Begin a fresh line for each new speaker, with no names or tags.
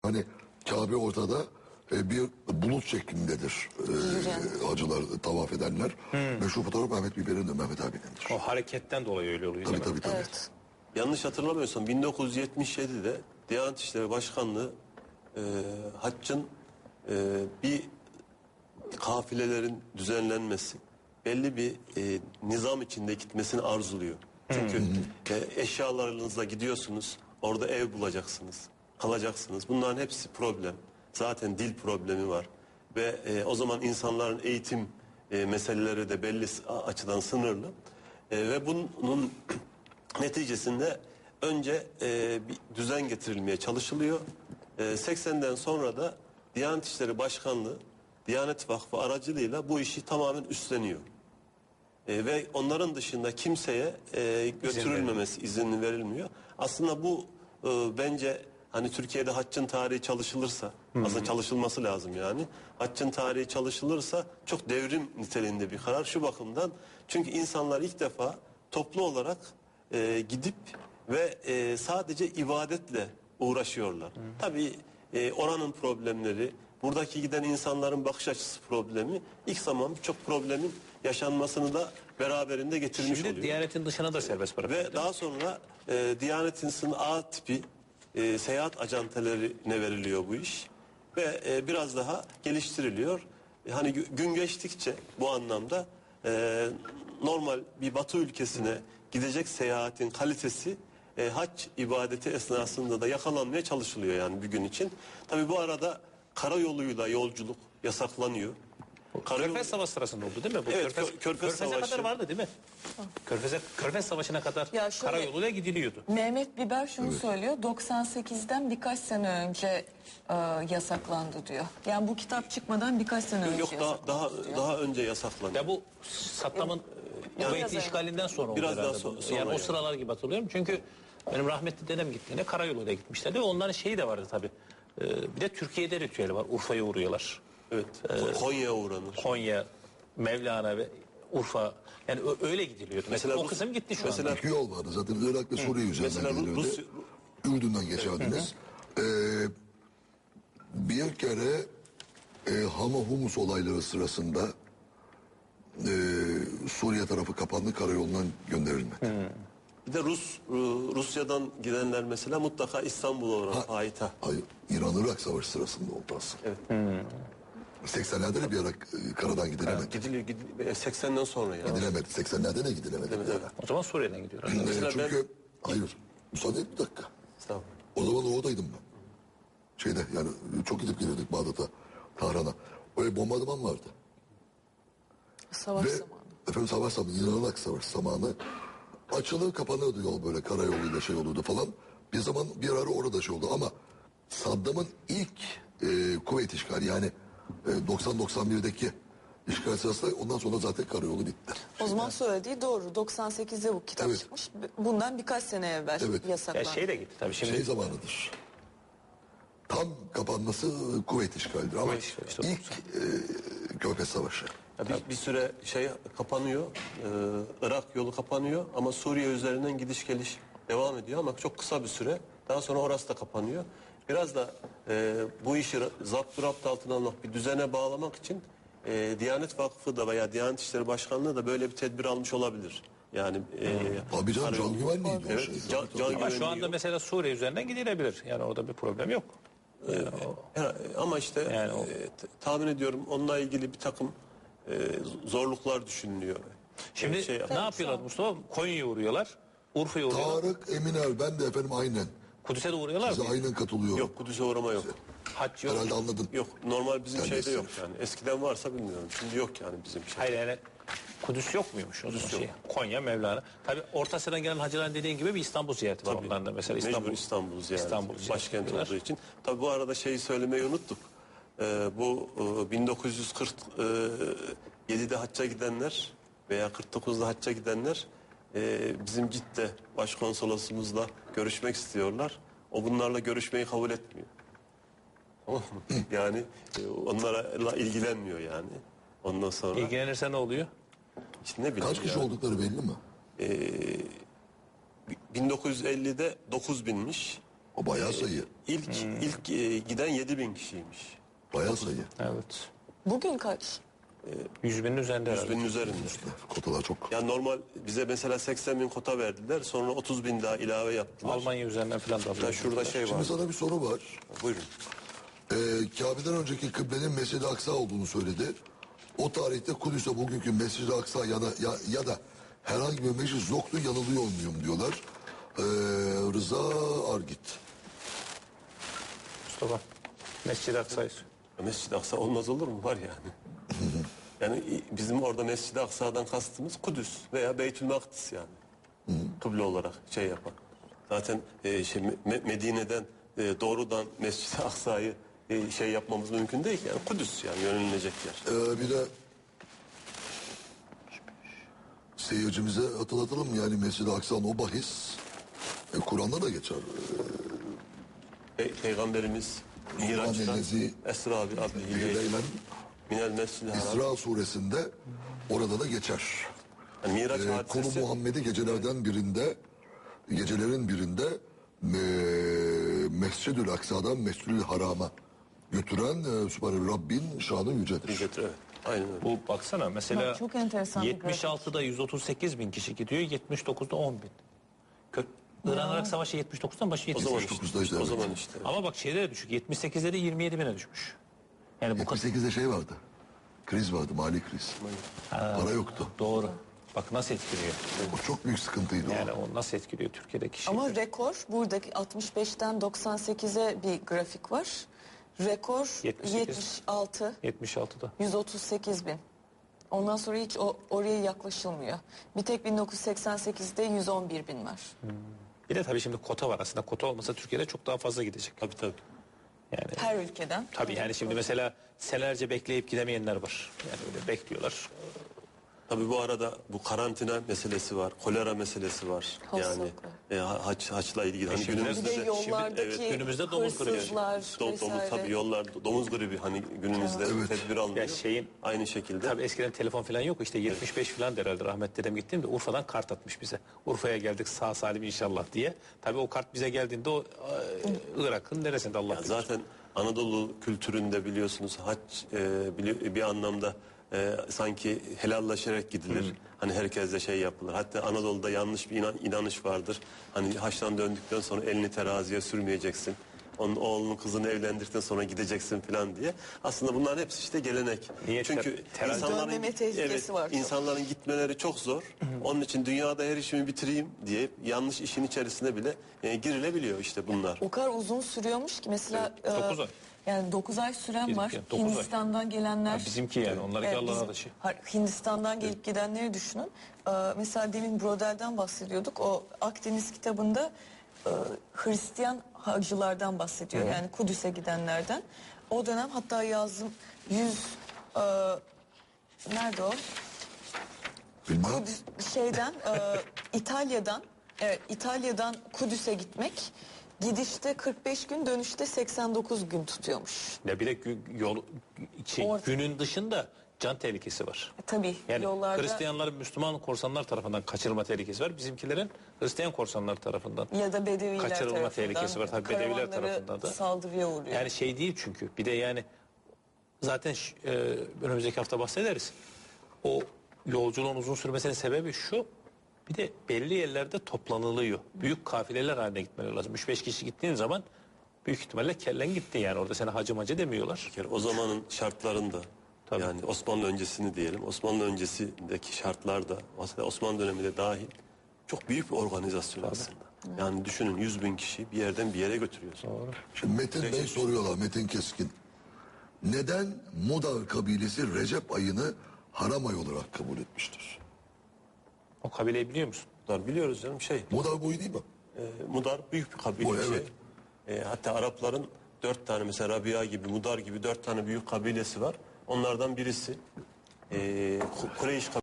Hani Kabe ortada bir bulut şeklindedir. Hacılar tavaf edenler. Meşhur fotoğraf Mehmet Biber'in de Mehmet abindendir.
O hareketten dolayı öyle oluyor.
Tabii.
Evet.
Yanlış hatırlamıyorsam 1977'de Diyanet İşleri Başkanlığı haccın bir kafilelerin düzenlenmesi, belli bir nizam içinde gitmesini arzuluyor. Çünkü eşyalarınızla gidiyorsunuz, orada ev bulacaksınız, kalacaksınız. Bunların hepsi problem. Zaten dil problemi var. Ve o zaman insanların eğitim meseleleri de belli açıdan sınırlı. Ve bunun neticesinde önce bir düzen getirilmeye çalışılıyor. 80'den sonra da Diyanet İşleri Başkanlığı, Diyanet Vakfı aracılığıyla bu işi tamamen üstleniyor. Ve onların dışında kimseye götürülmemesi izin verilmiyor. Aslında bu bence hani Türkiye'de haccın tarihi çalışılırsa, aslında çalışılması lazım yani. Haccın tarihi çalışılırsa çok devrim niteliğinde bir karar şu bakımdan. Çünkü insanlar ilk defa toplu olarak gidip ve sadece ibadetle uğraşıyorlar. Tabii oranın problemleri, buradaki giden insanların bakış açısı problemi ilk zaman birçok problemin yaşanmasını da beraberinde getirmiş
Şimdi
oluyor.
Diyanet'in dışına da serbest bırakıyor.
Ve daha sonra Diyanet'in A tipi seyahat ajantelerine veriliyor bu iş. Ve biraz daha geliştiriliyor. Hani gün geçtikçe bu anlamda normal bir Batı ülkesine gidecek seyahatin kalitesi hac ibadeti esnasında da yakalanmaya çalışılıyor yani bir gün için. Tabii bu arada karayoluyla yolculuk yasaklanıyor.
Körfez Savaşı sırasında oldu değil mi? Bu
Evet, Körfez
Körfez'e
Savaşı.
kadar vardı değil mi? Körfez Savaşı'na kadar
Ya şöyle-
karayoluyla gidiliyordu.
Mehmet Biber şunu söylüyor. 98'den birkaç sene önce yasaklandı diyor. Yani bu kitap çıkmadan birkaç sene önce
Yok
yasaklandı diyor.
daha önce yasaklanıyor.
Ya bu Saddam'ın Kuveyt'i
Biraz
işgalinden sonra oldu
biraz daha
herhalde bu.
sonra
Yani o
yani.
sıralar gibi hatırlıyorum. Çünkü benim rahmetli dedem gittiğinde karayoluyla gitmişlerdi. Ve onların şeyi de vardı tabii. Bir de Türkiye'de ritüeli var. Urfa'ya uğruyorlar.
Evet. Konya'ya uğranır.
Konya, Mevlana ve Urfa. Yani öyle gidiliyordu. Mesela o kısım gitti şu anda.
İki yol vardı zaten Irak ve Suriye üzerinden
Mesela
gelirdi. Ürdün'den geçerdiniz. Bir kere Hama Humus olayları sırasında Suriye tarafı kapandı, karayolundan gönderilmedi.
Bir de Rusya'dan gidenler mesela mutlaka İstanbul'a uğrar payitaht.
Hayır, İran-Irak savaşı sırasında oldu aslında. Evet. 80'lerde de bir ara karadan gidilemedi.
Gidiliyor 80'den sonra ya.
Gidilemedi. 80'lerde de gidilemedi.
Evet.
O zaman Suriye'den gidiyorlar.
Mesela
Çünkü hayır. Müsaade et bir dakika.
Tamam.
O zaman oradaydım ben. Şeyde yani çok gidip gelirdik Bağdat'a, Tahran'a. Öyle bombardıman vardı.
Savaş
Ve
zamanı.
efendim savaş zamanı, İran-Irak savaş zamanı açılır kapanırdı yol böyle karayoluyla şey olurdu falan. Bir zaman bir ara orada şey oldu ama Saddam'ın ilk kuvvet işgali yani 90-91'deki işgal sırasında ondan sonra zaten karayolu bitti.
O zaman söylediği doğru. 98'de bu kitap
Evet.
çıkmış. Bundan birkaç sene evvel
Evet.
Ya
yasaklandı.
şey de gitti tabii. Şimdi
Şey zamanıdır. Tam kapanması kuvvet işgalidir ama
Kuvvet işgali, işte
ilk Körfez Savaşı.
Ya bir süre şey kapanıyor. Irak yolu kapanıyor ama Suriye üzerinden gidiş geliş devam ediyor ama çok kısa bir süre. Daha sonra orası da kapanıyor. Biraz da bu işi zapt altına almak, bir düzene bağlamak için Diyanet Vakfı da veya Diyanet İşleri Başkanlığı da böyle bir tedbir almış olabilir. Yani
Tabii canım can güvenliğiydi o
Evet,
şey.
can
ama
güvenliği
şu anda
yok.
mesela Suriye üzerinden gidilebilir. Yani orada bir problem yok.
Ama işte
Yani
tahmin ediyorum onunla ilgili bir takım zorluklar düşünülüyor.
Şimdi ne yapıyorlar Mustafa? Konya'ya uğruyorlar. Urfa'ya uğruyorlar.
Tarık Eminer ben de efendim aynen.
Kudüs'e de uğruyorlar
Size
mı?
aynen katılıyorum.
Yok Kudüs'e uğrama yok.
Hac yok.
Herhalde anladın.
Yok normal bizim
Sen
şeyde
de
yok yani. Eskiden varsa bilmiyorum. Şimdi yok yani bizim şey.
Hayır yani Kudüs yok muymuş? O zaman şey, Konya, Mevlana. Tabii Orta Asya'dan gelen hacıların dediğin gibi bir İstanbul ziyareti var onların da. Mesela
Mecbur İstanbul ziyareti.
İstanbul ziyareti
Başkent
yapıyorlar.
olduğu için. Tabii bu arada şeyi söylemeyi unuttuk. Bu 1947'de hacca gidenler veya 49'da hacca gidenler bizim Cidde başkonsolosumuzla görüşmek istiyorlar. O bunlarla görüşmeyi kabul etmiyor. Tamam mı? Yani onlarla ilgilenmiyor yani. Ondan sonra
İlgilenirse ne oluyor?
işte ne bileyim
Kaç kişi
yani.
oldukları belli mi?
1950'de 9.000'miş.
O bayağı sayı.
İlk giden 7.000 kişiymiş.
Bayağı sayı.
Evet.
Bugün kaç?
100 binin üzerinde herhalde.
100.000'in üzerinde.
Kotalar çok.
Yani normal bize mesela 80.000 kota verdiler. Sonra 30.000 daha ilave yaptılar.
Almanya üzerinden falan da
Ya
alıyor.
şurada şey
Şimdi
var.
sana bir soru var.
Buyurun.
Kabe'den önceki kıblenin Mescid-i Aksa olduğunu söyledi. O tarihte Kudüs'e bugünkü Mescid-i Aksa ya da herhangi bir meclis yoktu, yanılıyor olmuyorum diyorlar. Rıza Argit.
Mustafa. Mescid-i Aksa'yı.
Mescid-i Aksa olmaz olur mu? Var yani. Yani bizim orada Mescid-i Aksa'dan kastımız Kudüs veya Beytül Makdis yani. Kıble olarak şey yapan. Zaten Medine'den doğrudan Mescid-i Aksa'yı şey yapmamız mümkün değil ki. Yani Kudüs yani yönelilecek yer.
Bir de seyircimize hatırlatalım yani Mescid-i Aksa'nın o bahis Kur'an'da da geçer.
Peygamberimiz Miraç'tan
Annenizi
Esra abi
Leylen
Minel Mescid-i Haram.
İsra suresinde orada da geçer.
Yani Miraç
Konu
hadisesi.
Muhammed'i gecelerin birinde Mescid-ül Aksa'dan Mescid-ül Haram'a götüren Sübhane Rabbin şanı yücedir.
Evet. Aynen öyle.
Bu baksana mesela
Bak, çok enteresan bir grafik.
76'da 138 bin kişi gidiyor, 79'da 10 bin. İran-Irak Savaşı 79'dan başı
O zaman
78.
işte.
işte,
O
evet.
zaman işte.
Ama bak şeyde de düşük. 78'de de 27 bine düşmüş. Yani bu kadar
78'de şey vardı. Kriz vardı, mali kriz. Para yoktu.
doğru. Bak nasıl etkiliyor.
O çok büyük sıkıntıydı
Yani o nasıl etkiliyor Türkiye'deki şey.
Ama rekor buradaki 65'ten 98'e bir grafik var. Rekor
78.
76,
76'da.
138 bin. Ondan sonra hiç oraya yaklaşılmıyor. Bir tek 1988'de 111 bin var.
Bir de tabii şimdi kota var aslında. Kota olmasa Türkiye'de çok daha fazla gidecek.
Tabii.
Yani
Her ülkeden.
tabii yani şimdi mesela senelerce bekleyip gidemeyenler var. Yani öyle bekliyorlar.
Tabii bu arada bu karantina meselesi var, kolera meselesi var.
Hastalıklar.
Yani haçla ilgili. Hani
şimdi-
günümüzde
Bir de yollardaki
günümüzde domuz gribi.
hırsızlar
domuz
vesaire.
tabii yollar domuz gribi hani günümüzde tedbir alınıyor.
Ya şeyin-
Aynı şekilde.
Tabii eskiden telefon falan yok. İşte 75 falan der herhalde rahmet dedem gittiğimde Urfa'dan kart atmış bize. Urfa'ya geldik sağ salim inşallah diye. Tabii o kart bize geldiğinde o Irak'ın neresinde Allah
Ya
bilir.
zaten Anadolu kültüründe biliyorsunuz hac bir anlamda sanki helallaşarak gidilir. Hani herkes de şey yapılır. Hatta Anadolu'da yanlış bir inanış vardır. Hani haçtan döndükten sonra elini teraziye sürmeyeceksin. Onun oğlunun kızını evlendirdikten sonra gideceksin falan diye. Aslında bunların hepsi işte gelenek.
Niye
Çünkü
terazi-
Dönmeme tehlikesi var çok.
insanların gitmeleri çok zor. Onun için dünyada her işimi bitireyim diye yanlış işin içerisine bile girilebiliyor işte bunlar.
O kadar uzun sürüyormuş ki mesela...
Evet, 9 ay.
Yani 9 ay süren var.
Bizimki 9 ay.
Hindistan'dan gelenler...
Ha, bizimki yani, onlarınki Allah'ın
bizim-
adışı.
Hayır, Hindistan'dan gelip gidenleri düşünün. Mesela demin Brodel'den bahsediyorduk. O Akdeniz kitabında Hristiyan hacılardan bahsediyor. Yani Kudüs'e gidenlerden. O dönem hatta yazdım 100... nerede o?
Bilmem.
Şeyden İtalya'dan Kudüs'e gitmek gidişte 45 gün dönüşte 89 gün tutuyormuş.
Ya bir de
Orada.
günün dışında can tehlikesi var.
Tabii
Yani
yollarda
Hristiyanların Müslüman korsanlar tarafından kaçırılma tehlikesi var. Bizimkilerin Hristiyan korsanlar tarafından.
ya da Bedeviler
kaçırılma
tarafından
tehlikesi var. Tabii Bedeviler
karavanları
tarafından da.
saldırıya uğruyor.
Yani şey değil çünkü. Bir de yani zaten önümüzdeki hafta bahsederiz. O yolculuğun uzun sürmesinin sebebi şu. Bir de belli yerlerde toplanılıyor. Büyük kafileler haline gitmeleri lazım. 3-5 kişi gittiğin zaman büyük ihtimalle kellen gitti yani. Orada sana hacı macı demiyorlar.
Bir kere o zamanın şartlarında
Tabii.
yani Osmanlı öncesini diyelim. Osmanlı öncesindeki şartlarda Osmanlı döneminde dahil çok büyük bir organizasyon aslında. Yani düşünün 100.000 kişi bir yerden bir yere götürüyorsun.
Şimdi Metin Bey soruyorlar, Metin Keskin. Neden Mudar kabilesi Recep ayını haram ay olarak kabul etmiştir?
O kabileyi biliyor musun?
Mudar biliyoruz canım
Mudar boyu değil mi?
Mudar büyük bir kabile.
Bu,
bir şey.
evet.
Hatta Arapların 4 tane mesela Rabia gibi Mudar gibi 4 tane büyük kabilesi var. Onlardan birisi Kureyş